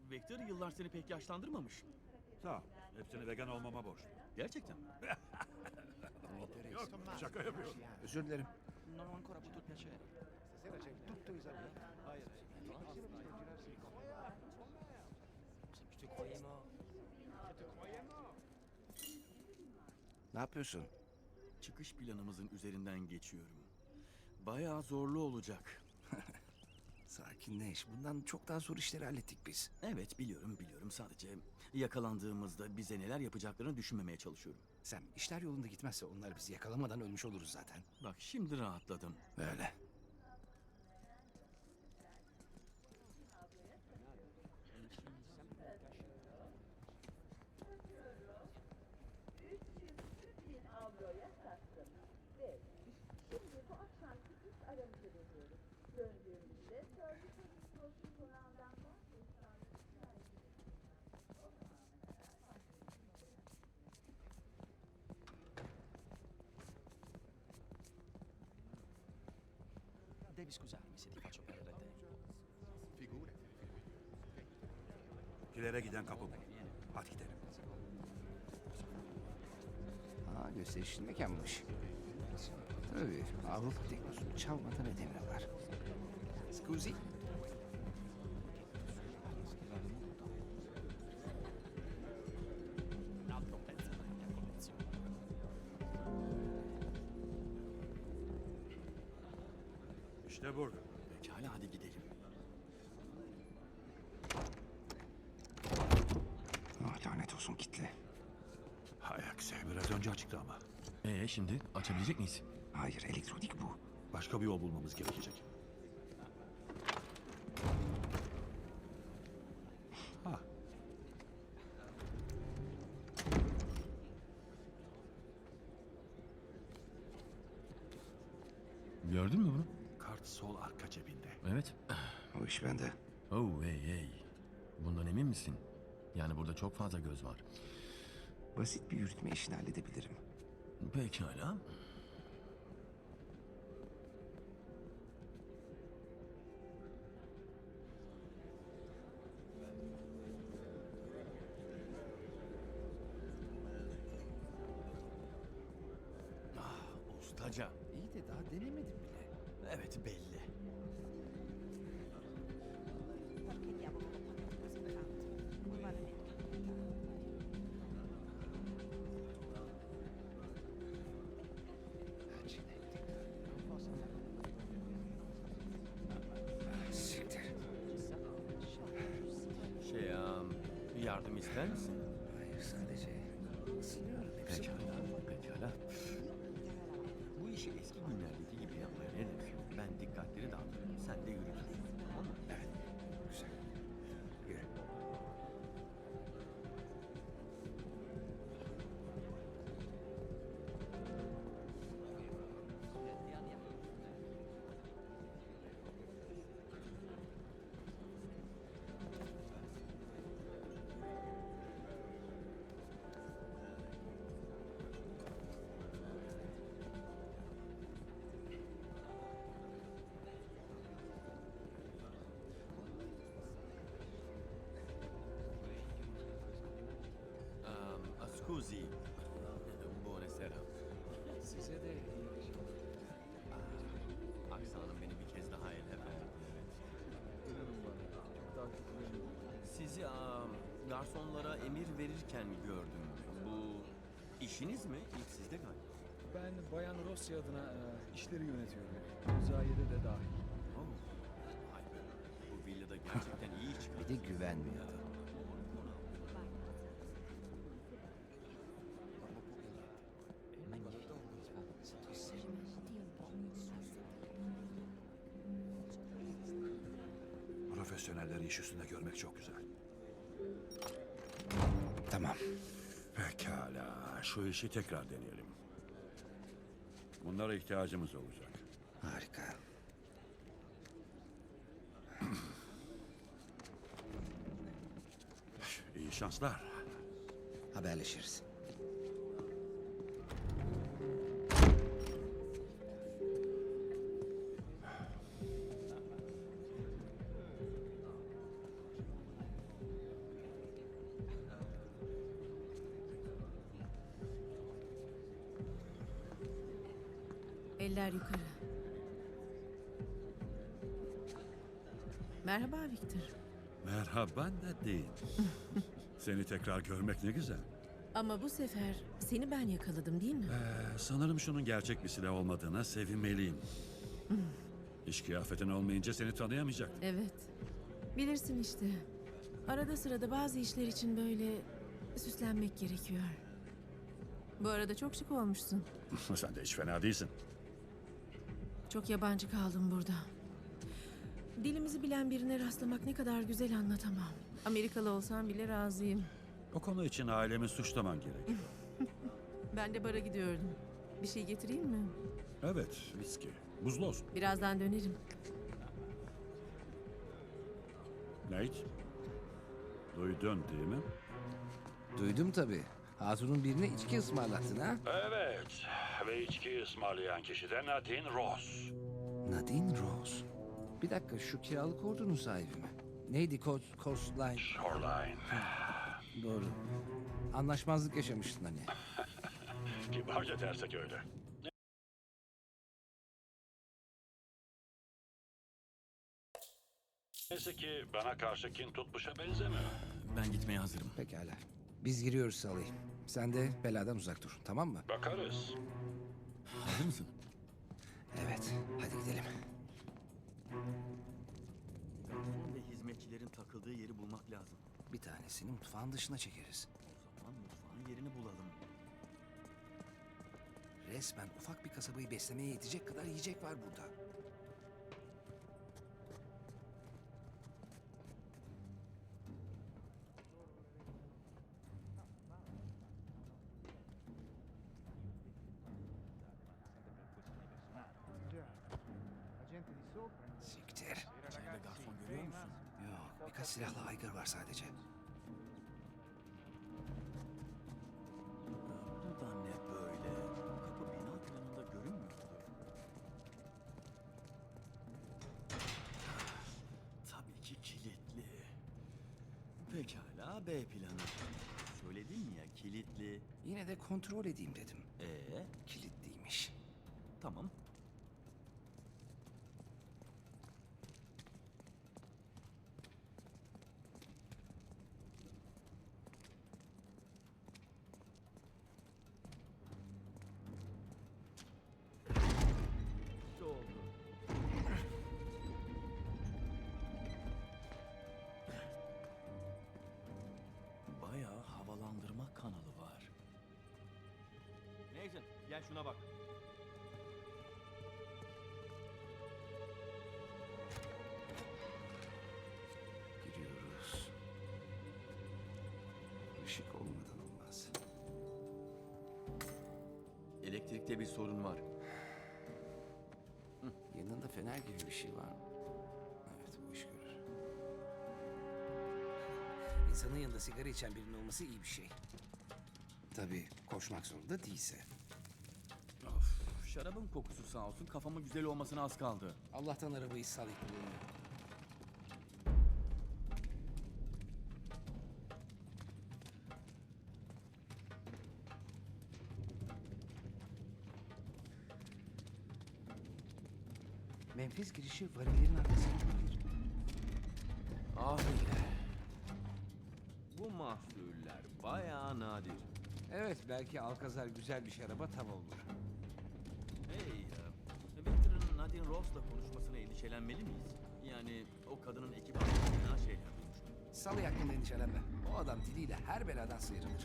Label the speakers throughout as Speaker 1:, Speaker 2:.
Speaker 1: Vector yıllar seni pek yaşlandırmamış.
Speaker 2: Sağ ol. Hepsini vegan olmama borçlu.
Speaker 1: Gerçekten.
Speaker 2: Yok, şaka yapıyorum.
Speaker 3: Özür dilerim.
Speaker 1: Non ho ancora avuto il piacere.
Speaker 3: Ne yapıyorsun?
Speaker 1: Çıkış planımızın üzerinden geçiyorum. Bayağı zorlu olacak.
Speaker 3: Sakinleş. Bundan çok daha zor işleri hallettik biz.
Speaker 1: Evet biliyorum. Sadece yakalandığımızda bize neler yapacaklarını düşünmemeye çalışıyorum.
Speaker 3: Sen işler yolunda gitmezse onlar bizi yakalamadan ölmüş oluruz zaten.
Speaker 1: Bak şimdi rahatladım.
Speaker 3: Öyle.
Speaker 4: avroya sattım. Ve şimdi bu akşamki ilk aramızı veriyoruz. Döndüğümüzde Ferguson'un Cross'un konağından
Speaker 5: Devi scusarmi se ti faccio perdere tempo.
Speaker 2: Kilere giden kapı bu. Hadi gidelim.
Speaker 3: Aa, gösterişli mekanmış. Tabii Avrupa teknosunu çalmadan edemiyorlar. Scusi?
Speaker 5: Un altro pezzo della mia collezione.
Speaker 2: İşte burada.
Speaker 1: Pekala hadi gidelim.
Speaker 3: Ah, lanet olsun kitle.
Speaker 2: Hay aksi. Biraz önce açıktı ama.
Speaker 1: Şimdi açabilecek miyiz?
Speaker 3: Hayır, elektronik bu.
Speaker 2: Başka bir yol bulmamız gerekecek. Ha.
Speaker 1: Gördün mü bunu?
Speaker 2: Kart sol arka cebinde.
Speaker 1: Evet.
Speaker 3: O iş bende.
Speaker 1: Oh hey. Bundan emin misin? Yani burada çok fazla göz var.
Speaker 3: Basit bir yürütme işini halledebilirim.
Speaker 1: Pekala. Ustaca.
Speaker 3: İyi de daha denemedim bile.
Speaker 1: Evet belli.
Speaker 4: Perché diavolo lo pagano così tanto? Non vale neanche.
Speaker 3: Siktir.
Speaker 1: Bir yardım ister misin?
Speaker 3: Hayır, sadece ısınıyorum. Hepsi bu.
Speaker 1: Pekala. Bu işi eski günlerdeki gibi yapmaya ne dersin? Ben dikkatleri dağıtırım, sen de yürütürsün. Tamam mı?
Speaker 3: Evet. Güzel. Yürü.
Speaker 1: Scusi. Buonasera.
Speaker 5: Size de
Speaker 1: Aksanım beni bir kez daha ele verdi. Sizi garsonlara emir verirken gördüm. Bu işiniz mi? İlk sizde galiba.
Speaker 6: Ben Bayan Rossi adına işleri yönetiyorum. Müzayede de dahil.
Speaker 1: Oh. Vay be. Bu villada gerçekten iyi iş çıkar.
Speaker 3: Bir de güvenmiyor.
Speaker 2: Profesyonelleri iş üstünde görmek çok güzel.
Speaker 3: Tamam.
Speaker 2: Pekala. Şu işi tekrar deneyelim. Bunlara ihtiyacımız olacak.
Speaker 3: Harika.
Speaker 2: İyi şanslar.
Speaker 3: Haberleşiriz.
Speaker 7: Eller yukarı. Merhaba Victor.
Speaker 2: Merhaba Nadine. Seni tekrar görmek ne güzel.
Speaker 7: Ama bu sefer seni ben yakaladım değil mi?
Speaker 2: Sanırım şunun gerçek bir silah olmadığına sevinmeliyim. İş kıyafetin olmayınca seni tanıyamayacaktım.
Speaker 7: Evet. Bilirsin işte. Arada sırada bazı işler için böyle süslenmek gerekiyor. Bu arada çok şık olmuşsun.
Speaker 2: Sen de hiç fena değilsin.
Speaker 7: Çok yabancı kaldım burada. Dilimizi bilen birine rastlamak ne kadar güzel anlatamam. Amerikalı olsam bile razıyım.
Speaker 2: O konu için ailemi suçlaman gerek.
Speaker 7: Ben de bara gidiyordum. Bir şey getireyim mi?
Speaker 2: Evet, viski. Buzlu olsun.
Speaker 7: Birazdan dönerim.
Speaker 2: Nate, duydun değil mi?
Speaker 3: Duydum tabii. Hatun'un birine içki ısmarlattın ha?
Speaker 2: Evet, ve içki ısmarlayan kişi de Nadine Ross.
Speaker 3: Nadine Rose. Bir dakika, şu kiralık ordunun sahibi mi? Neydi Coastline?
Speaker 2: Shoreline.
Speaker 3: Doğru. Anlaşmazlık yaşamıştın hani.
Speaker 2: Kibarca dersek öyle. Neyse ki bana karşı kin tutmuşa benzemiyor.
Speaker 1: Ben gitmeye hazırım.
Speaker 3: Pekala. Biz giriyoruz Salih. Sen de beladan uzak dur, tamam mı?
Speaker 2: Bakarız.
Speaker 1: Hazır mısın?
Speaker 3: Evet, hadi gidelim.
Speaker 1: Garson ve hizmetçilerin takıldığı yeri bulmak lazım.
Speaker 3: Bir tanesini mutfağın dışına çekeriz.
Speaker 1: O zaman mutfağın yerini bulalım.
Speaker 3: Resmen ufak bir kasabayı beslemeye yetecek kadar yiyecek var burada. Siktir.
Speaker 1: İçeride garson görüyor musun?
Speaker 3: Yok, birkaç silahlı aygır var sadece.
Speaker 1: Bu da ne böyle? Kapı bina planında görünmüyordu. Tabii ki kilitli. Pekala, B planı. Söyledim ya, kilitli.
Speaker 3: Yine de kontrol edeyim dedim. Kilitliymiş.
Speaker 1: Tamam. İşte oldu. Bayağı havalandırma kanalı var. Nathan, gel şuna bak.
Speaker 3: Giriyoruz. Işık olmadan olmaz.
Speaker 1: Elektrikte bir sorun var.
Speaker 3: Yanında fener gibi bir şey var mı? Evet, bu iş görür. İnsanın yanında sigara içen birinin olması iyi bir şey. Tabii koşmak zorunda değilse.
Speaker 1: Of, şarabın kokusu sağ olsun kafamın güzel olmasına az kaldı.
Speaker 3: Allah'tan arabayı Salih kullanıyor. Menfez girişi varillerin arkasında olabilir.
Speaker 1: Abiler. Bu mahsuller bayağı nadir.
Speaker 3: Evet, belki Alcazar güzel bir şaraba tav olur.
Speaker 1: Hey, Victor'ın Nadine Ross'la konuşmasına endişelenmeli miyiz? Yani o kadının ekip hakkında fena şeyler duymuştum.
Speaker 3: Salih hakkında endişelenme. O adam diliyle her beladan sıyrılır.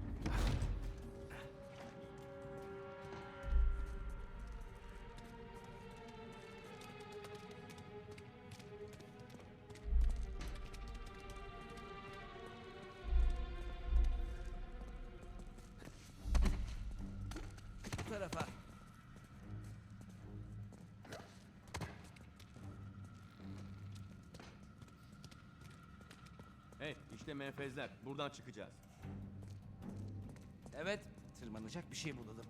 Speaker 3: Bu tarafa.
Speaker 1: Hey, işte menfezler. Buradan çıkacağız.
Speaker 3: Evet, tırmanacak bir şey bulalım.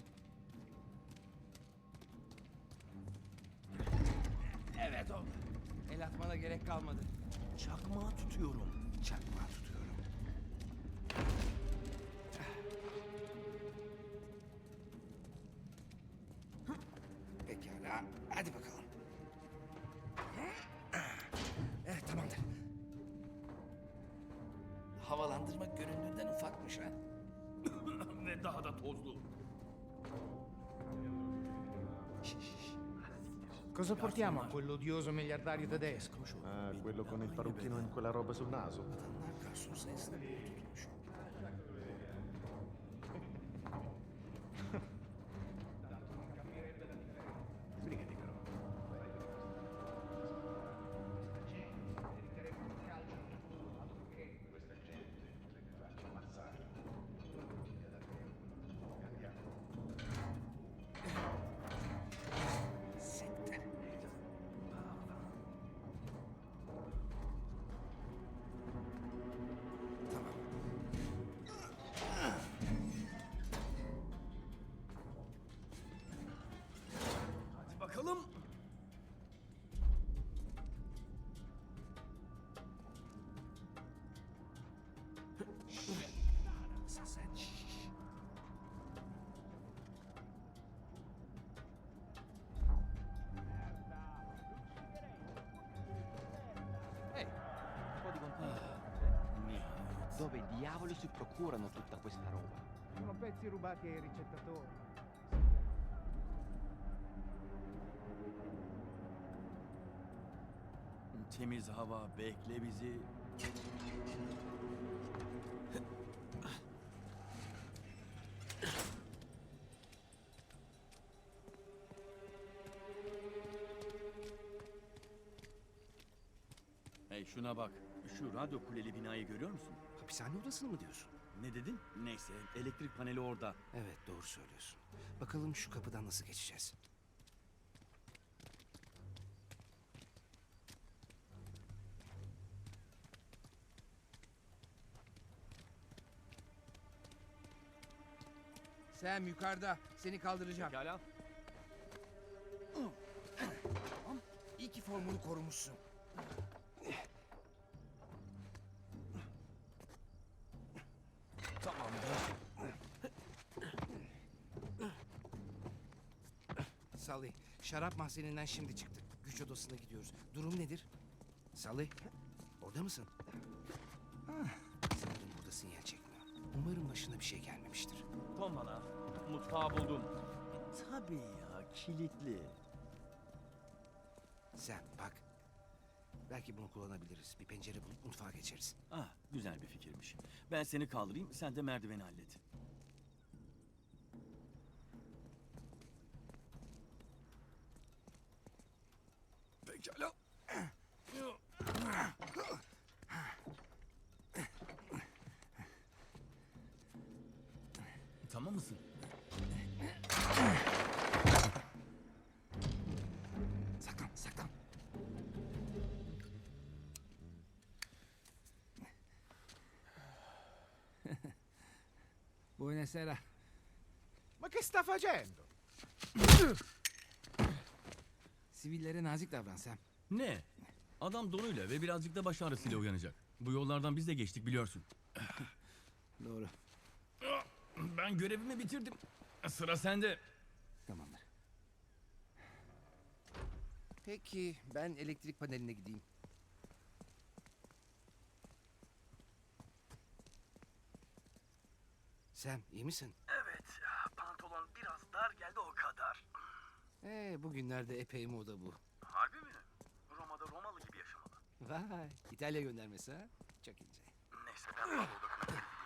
Speaker 3: Evet oldu. El atmana gerek kalmadı.
Speaker 1: Çakmağı tutuyorum.
Speaker 3: Çakmağı tutuyorum. Pekala. havalandırma göründüğünden ufakmış ha.
Speaker 1: Ve daha da tozlu.
Speaker 8: Cosa portiamo a quell'odioso miliardario tedesco?
Speaker 9: Ah, quello con il parrucchino in quella roba sul naso.
Speaker 3: Adamlar garson sayısına tutmuş. Siktir. Tamam.
Speaker 1: Hadi bakalım.
Speaker 3: Sen.
Speaker 5: Ehi, un po' di contenuto.
Speaker 1: Nihayet.
Speaker 5: Dove diavolo si procurano tutta questa roba?
Speaker 8: Sono pezzi rubati ai ricettatori.
Speaker 1: Temiz hava, bekle bizi. Hey şuna bak. Şu radyo kuleli binayı görüyor musun?
Speaker 3: Hapishane odasını mı diyorsun?
Speaker 1: Ne dedin? Neyse, elektrik paneli orada.
Speaker 3: Evet, doğru söylüyorsun. Bakalım şu kapıdan nasıl geçeceğiz? Sam yukarıda. Seni kaldıracağım.
Speaker 1: Pekala.
Speaker 3: İyi ki formunu korumuşsun.
Speaker 1: Tamamdır.
Speaker 3: Salih, şarap mahzeninden şimdi çıktık. Güç odasına gidiyoruz. Durum nedir? Salih, orada mısın? Sanırım burada sinyal çekmiyor. Umarım başına bir şey gelmemiştir.
Speaker 1: Tom bana. Mutfağı buldum. Tabii ya, kilitli.
Speaker 3: Sen bak. Belki bunu kullanabiliriz. Bir pencere bulup mutfağa geçeriz.
Speaker 1: Ah, güzel bir fikirmiş. Ben seni kaldırayım, sen de merdiveni hallet.
Speaker 3: Pekala.
Speaker 1: Tamam mısın?
Speaker 3: Saklan, saklan. Buonasera.
Speaker 8: Ma che sta facendo?
Speaker 3: Sivillere nazik davran Sam.
Speaker 1: Ne? Adam donuyla ve birazcık da baş ağrısıyla uyanacak. Bu yollardan biz de geçtik biliyorsun.
Speaker 3: Doğru.
Speaker 1: Ben görevimi bitirdim. Sıra sende.
Speaker 3: Tamamdır. Peki ben elektrik paneline gideyim. Sam iyi misin?
Speaker 1: Evet, pantolon biraz dar geldi o kadar.
Speaker 3: Bugünlerde epey moda bu.
Speaker 1: Harbi mi? Roma'da Romalı gibi yaşamalı.
Speaker 3: Vay İtalya göndermesi ha? Çok ince.
Speaker 1: Neyse ben balo odasına geri gidiyorum.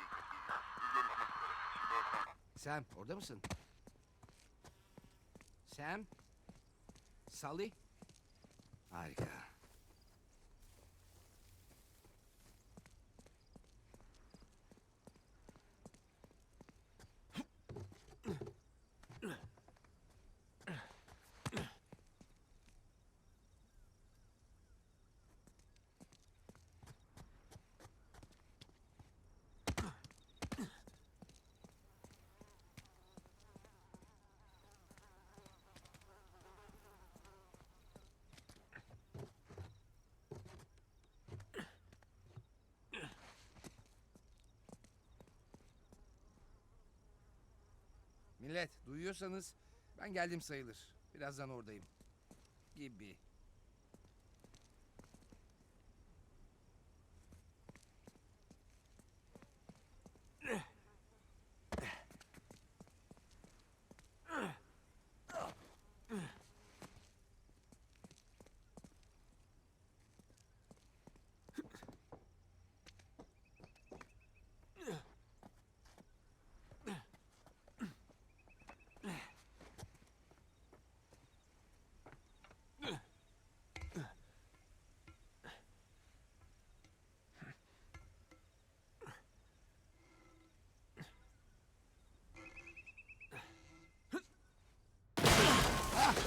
Speaker 3: Sam orada mısın? Sam? Salih? Harika. Millet duyuyorsanız ben geldim sayılır. Birazdan oradayım. Gibi.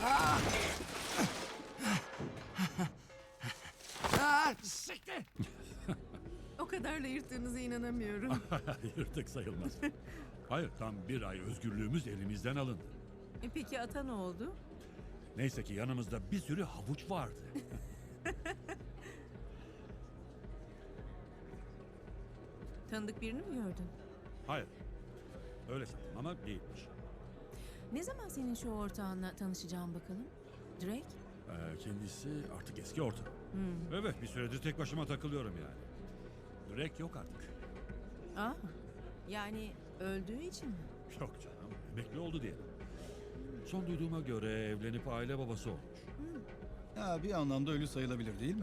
Speaker 3: Siktir!
Speaker 7: O kadarla yırttığınıza inanamıyorum.
Speaker 2: Yırtık sayılmaz. Hayır, tam bir ay özgürlüğümüz elimizden alındı.
Speaker 7: Peki ata ne oldu?
Speaker 2: Neyse ki yanımızda bir sürü havuç vardı.
Speaker 7: Tanıdık birini mi gördün?
Speaker 2: Hayır. Öyle sandım ama değilmiş.
Speaker 7: Ne zaman senin şu ortağınla tanışacağım bakalım? Drake?
Speaker 2: Kendisi artık eski ortam. Evet, bir süredir tek başıma takılıyorum yani. Drake yok artık.
Speaker 7: Aa, yani öldüğü için mi?
Speaker 2: Yok canım, emekli oldu diye. Son duyduğuma göre evlenip aile babası olmuş.
Speaker 6: Ha, bir anlamda ölü sayılabilir değil mi?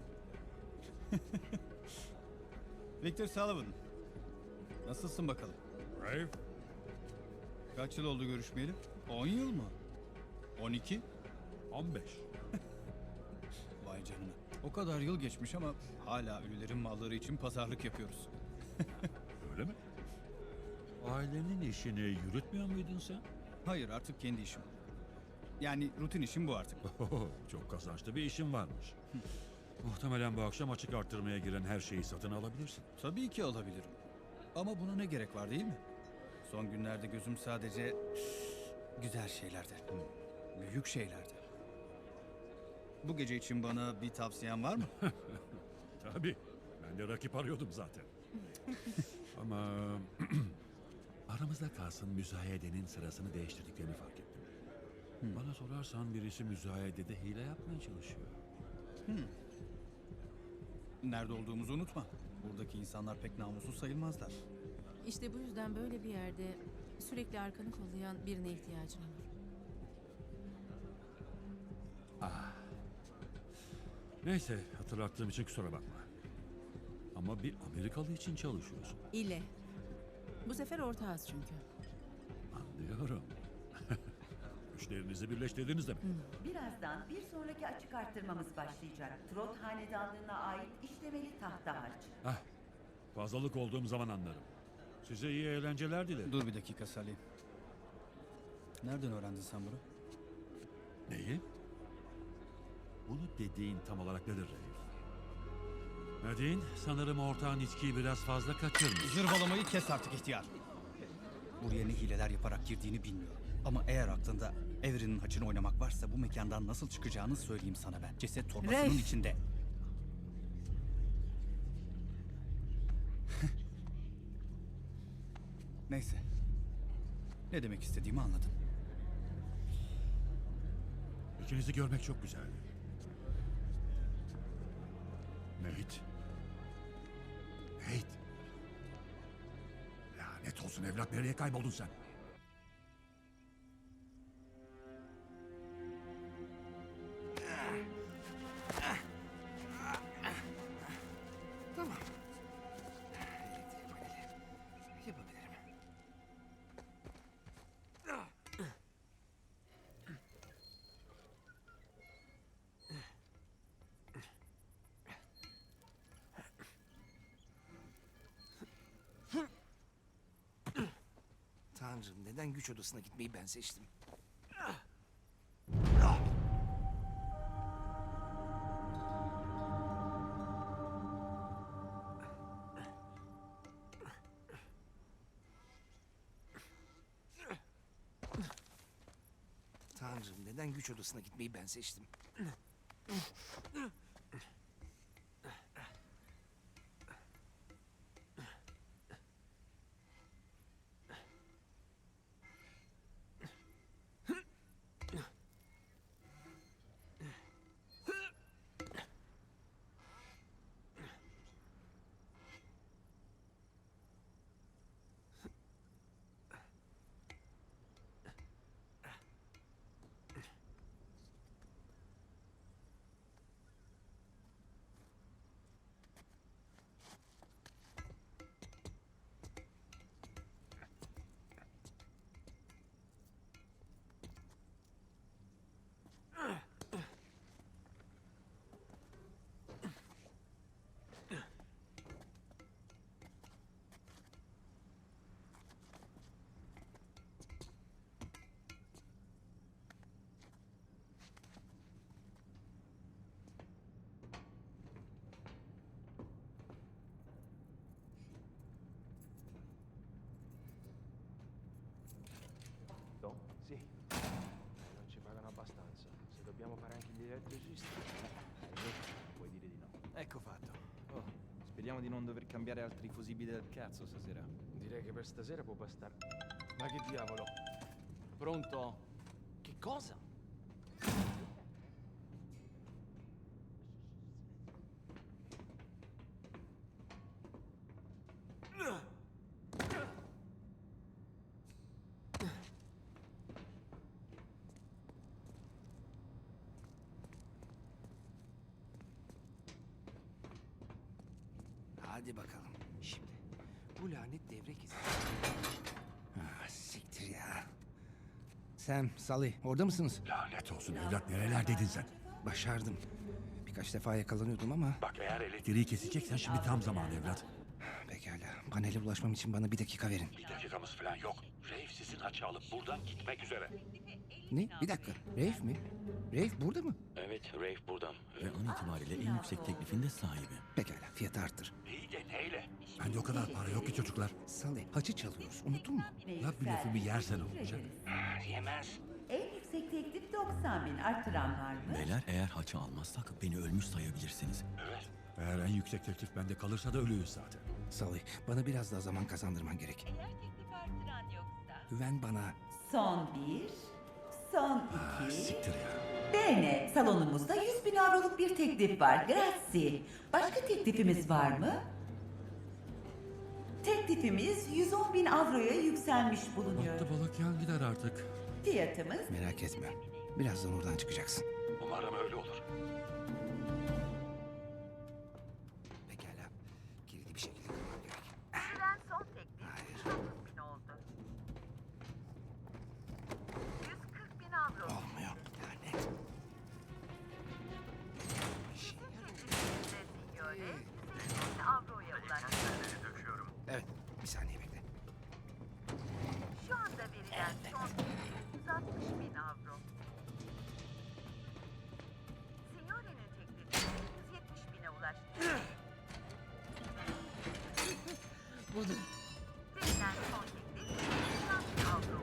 Speaker 6: Victor Sullivan. Nasılsın bakalım?
Speaker 2: Brave?
Speaker 6: Kaç yıl oldu görüşmeyeli? 10 yıl mı? 12?
Speaker 2: 15.
Speaker 6: Vay canına. O kadar yıl geçmiş ama hala ölülerin malları için pazarlık yapıyoruz.
Speaker 2: Öyle mi? Ailenin işini yürütmüyor muydun sen?
Speaker 6: Hayır, artık kendi işim. Yani rutin işim bu artık.
Speaker 2: Çok kazançlı bir işin varmış. Muhtemelen bu akşam açık arttırmaya giren her şeyi satın alabilirsin.
Speaker 6: Tabii ki alabilirim. Ama buna ne gerek var değil mi? Son günlerde gözüm sadece güzel şeylerde. Büyük şeylerde. Bu gece için bana bir tavsiyen var mı?
Speaker 2: Tabii. Ben de rakip arıyordum zaten. Ama aramızda kalsın, müzayedenin sırasını değiştirdiklerini fark ettim. Bana sorarsan birisi müzayedede hile yapmaya çalışıyor.
Speaker 6: Nerede olduğumuzu unutma. Buradaki insanlar pek namussuz sayılmazlar.
Speaker 7: İşte bu yüzden böyle bir yerde sürekli arkanı kollayan birine ihtiyacın olur.
Speaker 2: Neyse, hatırlattığım için kusura bakma. Ama bir Amerikalı için çalışıyorsun.
Speaker 7: İle. Bu sefer ortağız çünkü.
Speaker 2: Anlıyorum. Güçlerinizi birleştirdiniz demek.
Speaker 10: Birazdan bir sonraki açık arttırmamız başlayacak. Trot hanedanlığına ait işlemeli tahta harç.
Speaker 2: Fazlalık olduğum zaman anlarım. Size iyi eğlenceler dilerim.
Speaker 6: Dur bir dakika Salih. Nereden öğrendin sen bunu?
Speaker 2: Neyi? Bunu dediğin tam olarak nedir Reif? Nadine, sanırım ortağın içkiyi biraz fazla kaçırmış.
Speaker 6: Zırvalamayı kes artık ihtiyar. Buraya ne hileler yaparak girdiğini bilmiyorum. Ama eğer aklında Evren'in haçını oynamak varsa bu mekandan nasıl çıkacağını söyleyeyim sana ben. Ceset torbasının
Speaker 7: Reif.
Speaker 6: içinde. Neyse. Ne demek istediğimi anladın.
Speaker 2: İkinizi görmek çok güzeldi. Nate. Nate. Lanet olsun evlat, nereye kayboldun sen?
Speaker 3: Tamam. Yapabilirim. Tanrım, neden güç odasına gitmeyi ben seçtim? Tanrım, neden güç odasına gitmeyi ben seçtim?
Speaker 8: Dobbiamo fare anche gli elettricisti. Puoi dire di no.
Speaker 5: Ecco fatto. Oh, speriamo di non dover cambiare altri fusibili del cazzo stasera.
Speaker 8: Direi che per stasera può bastare. Ma che diavolo? Pronto? Che cosa?
Speaker 3: Hadi bakalım. Şimdi bu lanet devrek izi. Ah, siktir ya. Sam, Sally orada mısınız?
Speaker 2: Lanet olsun evlat, nerelerdeydin sen?
Speaker 3: Başardım. Birkaç defa yakalanıyordum ama
Speaker 2: Bak eğer elektriği keseceksen şimdi tam zamanı evlat.
Speaker 3: pekala. Panele ulaşmam için bana bir dakika verin.
Speaker 2: Bir dakikamız falan yok. Reif sizin haçı alıp buradan gitmek üzere.
Speaker 3: Ne? Bir dakika. Rafe mi? Rafe burada mı?
Speaker 1: Evet, Rafe buradan. Ve an itibariyle en yüksek teklifin de sahibi.
Speaker 3: Pekala, fiyatı arttır.
Speaker 2: İyi de neyle? Bende o kadar para yok ki çocuklar.
Speaker 3: Sally, haçı çalıyoruz. Unuttun mu?
Speaker 2: Laf bir lafımı yersen olacak.
Speaker 3: Yemez.
Speaker 10: En yüksek teklif 90 bin. Arttıran var mı?
Speaker 1: Beyler, eğer haçı almazsak beni ölmüş sayabilirsiniz.
Speaker 2: Evet. Eğer en yüksek teklif bende kalırsa da ölüyüz zaten.
Speaker 3: Sally, bana biraz daha zaman kazandırman gerek.
Speaker 10: Eğer teklif arttıran yoksa.
Speaker 3: Güven bana.
Speaker 10: Son 1, son 2.
Speaker 2: Siktir ya.
Speaker 10: Bene, salonumuzda 100 bin avroluk bir teklif var. Grazie. Başka teklifimiz var mı? Teklifimiz 110 bin avroya yükselmiş bulunuyor.
Speaker 2: Battı balık yan gider artık.
Speaker 10: Fiyatımız
Speaker 3: Merak etme. Birazdan oradan çıkacaksın.
Speaker 2: Umarım öyle olur.
Speaker 3: Pekala. Kilidi bir şekilde kırmam gerek.
Speaker 10: verilen son teklif
Speaker 3: Hayır.
Speaker 10: 130 bin oldu. 140 bin avro.
Speaker 3: Olmuyor. Lanet.
Speaker 10: Sizin teklifinize signore 150 bin avroya ulaştı.
Speaker 3: Evet. Bir saniye bekle.
Speaker 10: Şu anda verilen son teklif 160 bin avro. Signore'nin teklifi 170 bine ulaştı. Verilen son teklif 180 bin avro.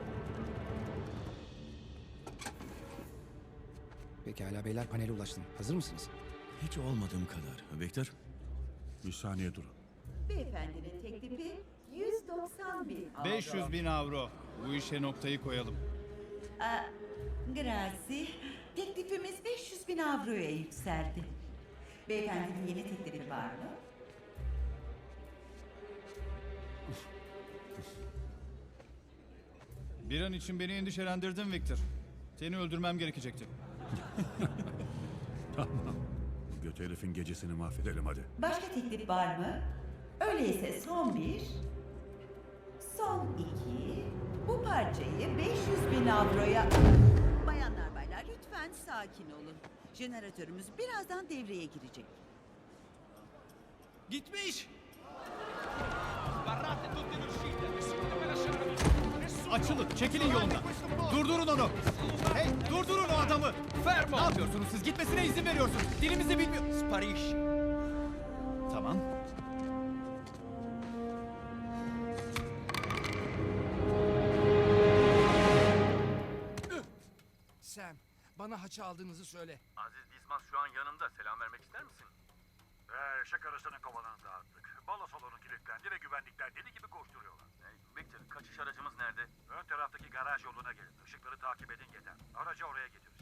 Speaker 3: Pekala beyler, panele ulaştım. Hazır mısınız?
Speaker 1: Hiç olmadığım kadar. Victor,
Speaker 2: Bir saniye durun.
Speaker 10: Beyefendinin teklifi 190 bin avro.
Speaker 6: 500 bin avro. Bu işe noktayı koyalım.
Speaker 10: Grazie. Teklifimiz 500 bin avroya yükseldi. Beyefendinin yeni teklifi var mı?
Speaker 6: Bir an için beni endişelendirdin Victor. Seni öldürmem gerekecekti.
Speaker 2: Tamam. Bu göt herifin gecesini mahvedelim hadi.
Speaker 10: Başka teklif var mı? Öyleyse son 1, son 2, bu parçayı 500 bin avroya...
Speaker 11: Bayanlar baylar lütfen sakin olun. Jeneratörümüz birazdan devreye girecek.
Speaker 6: Gitmiş! Açılın, çekilin yolundan. Durdurun onu. Hey, durdurun o adamı. Ne yapıyorsunuz siz? Gitmesine izin veriyorsunuz. Dilimizi bilmiyor. Spariş. Tamam.
Speaker 3: Sam, bana haçı aldığınızı söyle.
Speaker 1: Aziz Dismas şu an yanımda. Selam vermek ister misin?
Speaker 2: Eşek arasının kovanını dağıttık. Balo salonu kilitlendi ve güvenlikler deli gibi koşturuyorlar.
Speaker 1: Victor, kaçış aracımız nerede?
Speaker 2: Ön taraftaki garaj yoluna gelin. Işıkları takip edin yeter. Aracı oraya getirin.